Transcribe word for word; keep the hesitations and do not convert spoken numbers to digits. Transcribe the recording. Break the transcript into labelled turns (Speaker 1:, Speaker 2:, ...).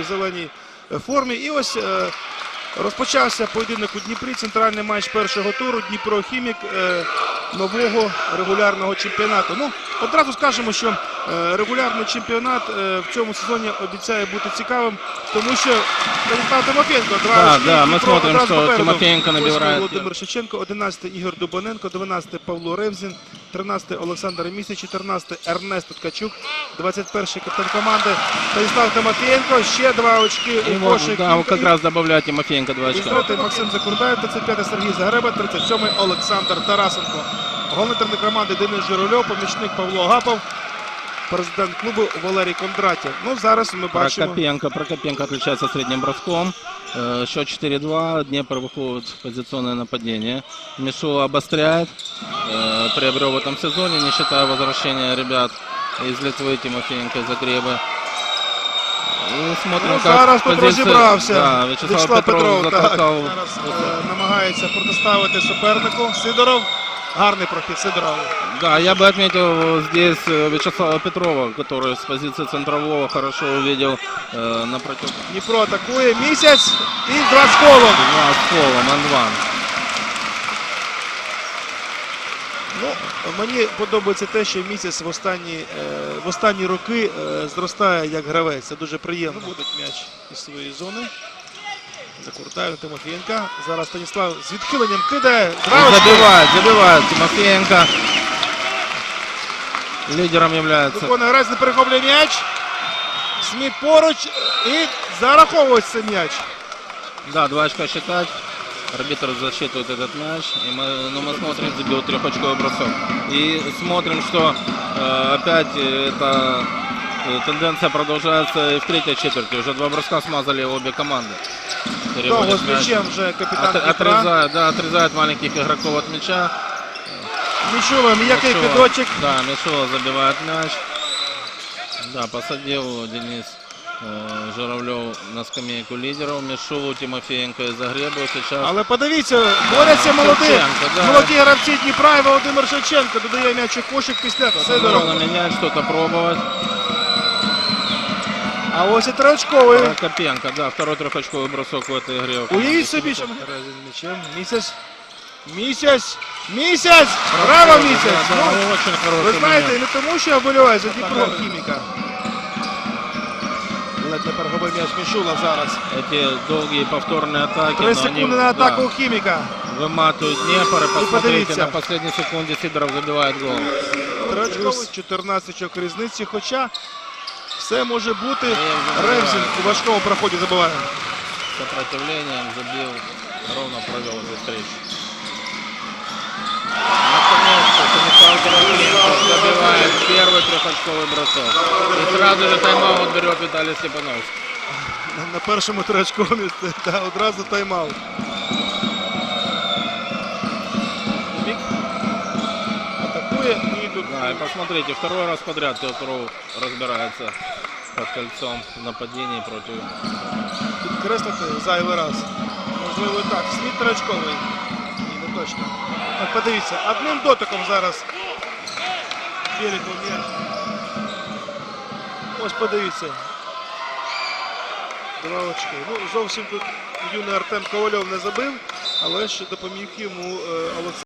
Speaker 1: зеленій формі. І ось е, розпочався поєдинок у Дніпрі, центральний матч першого туру. Дніпро-Хімік е, нового регулярного чемпіонату. Ну, одразу скажемо, що е, регулярний чемпіонат е, в цьому сезоні обіцяє бути цікавим, тому що Станіслав Тимофєнко, два
Speaker 2: Да,
Speaker 1: очки,
Speaker 2: да, мы
Speaker 1: Дніпро
Speaker 2: смотрим,
Speaker 1: одразу
Speaker 2: что
Speaker 1: попереду.
Speaker 2: Тимофеенко набирает.
Speaker 1: Володимир Шевченко, одинадцятий Ігор Дубоненко, дванадцятий Павло Ревзін, тринадцятий Олександр Місяць, чотирнадцятий Ернест Ткачук, двадцять перший капітан команди Станіслав Тимофєнко, ще два очки
Speaker 2: И
Speaker 1: у
Speaker 2: вот,
Speaker 1: кошик.
Speaker 2: да, вот как раз добавляет Тимофеенко два очка.
Speaker 1: тридцятий Максим Закурдаєв, тридцять п'ятий Сергій Загреба, тридцять сьомий Олександр Тарасенко. Головний тренер команди Денис Журавльов, помічник Павло Агапов, президент клубу Валерій Кондратєв. Ну, зараз ми бачимо...
Speaker 2: Прокопенко, Прокопенко отличается средним броском. Э, Счет четыре-два. Днепр выходит в позиционное нападение. Мишула обостряет. Э, Приобрел в этом сезоне, не считая возвращения ребят из Литвы, Тимофеенко, Загребы. И смотрим,
Speaker 1: Ну,
Speaker 2: как
Speaker 1: зараз тут
Speaker 2: позиция-
Speaker 1: розібрався
Speaker 2: Да, Вячеслав,
Speaker 1: Вячеслав
Speaker 2: Петров,
Speaker 1: Петров. Так,
Speaker 2: затолкал.
Speaker 1: зараз е, намагається протиставити супернику. Сидоров. Гарний прохід Сидорова.
Speaker 2: Да, я бы отметил здесь э, Вячеслава Петрова, который с позиции центрового хорошо увидел э, напротив.
Speaker 1: Дніпро атакує. Місяць і два з колом.
Speaker 2: Два с полом, Ан-Ван.
Speaker 1: Ну, мені подобається те, що Місяць в останні, е, в останні роки е, зростає як гравець. Це дуже приємно. Виводить м'яч із своєї зони. Закуртаєв Тимофієнка. Зараз Станіслав з відхиленням кидає. Два очки.
Speaker 2: Забивает, забивает Тимофеенко. Лидером является.
Speaker 1: Виконує гравець, не перехоплює м'яч. Сміт поруч і зараховується м'яч.
Speaker 2: Да, два очка считать. Арбитр засчитывает этот мяч. И мы, ну, мы смотрим, забил трехочковый бросок. И смотрим, что э, опять эта э, тенденция продолжается и в третьей четверти. Уже два броска смазали обе команды.
Speaker 1: Довго
Speaker 2: Переводят
Speaker 1: з
Speaker 2: мяч.
Speaker 1: м'ячем вже капітан
Speaker 2: От-
Speaker 1: Дніпра.
Speaker 2: отрезает, да, отрезает маленьких игроков от мяча.
Speaker 1: Мічула, м'який
Speaker 2: Мишула,
Speaker 1: кидочок.
Speaker 2: Да, Мишула забивает мяч. Да, посадил Денис э, Журавлев на скамейку лидеров. Мишулу, Тимофеенко и Загребу сейчас.
Speaker 1: Але подивіться, борються молоді,
Speaker 2: Шевченко, да.
Speaker 1: молоді гравці Дніпра і Володимир Шевченко додає м'яч у кошик після Сидорова.
Speaker 2: Нужно менять, что-то пробовать.
Speaker 1: А ось і триочковий.
Speaker 2: Прокопенко, да, второй трехочковый бросок в этой игре.
Speaker 1: Уявіть собі, що Терезин м'ячем. Місяць. Місяць. Місяць! Браво, Місяць!
Speaker 2: Да,
Speaker 1: Ну,
Speaker 2: да, очень хороший
Speaker 1: ви знаєте,
Speaker 2: момент.
Speaker 1: не тому, що я вболіваю за Дніпро Хіміка. Ледь не перегубив м'яч Мішула зараз.
Speaker 2: Эти долгие повторные атаки.
Speaker 1: Три
Speaker 2: но
Speaker 1: секунди
Speaker 2: они,
Speaker 1: на атаку
Speaker 2: да,
Speaker 1: у Хіміка.
Speaker 2: выматывают Днепр. И посмотрите,
Speaker 1: подивіться.
Speaker 2: на последней секунде Сидоров забивает гол.
Speaker 1: Триочковий, чотирнадцять очок різниці, хоча все може бути.
Speaker 2: вже
Speaker 1: Ревзін
Speaker 2: забиває.
Speaker 1: у важкому проході забиває.
Speaker 2: Сопротивлением забил, ровно провел эту встречу. Наконец-то Станислав Тимофеенко забивает первый трехочковый бросок. И сразу же тайм-аут берет Виталий Степановский.
Speaker 1: На- На першому триочкові та одразу тайм-аут. Хімік атакує і тут
Speaker 2: Да, и посмотрите, второй раз подряд Петров разбирается под кольцом в нападении против...
Speaker 1: підкреслити зайвий раз. Можливо, і так. Сміт триочковий. Ні, не точно. Так, подивіться, одним дотиком зараз Біліков м'яч. Ось подивіться. Два очки. Ну, зовсім тут юний Артем Ковальов не забив, але ж допоміг йому е, Олександр.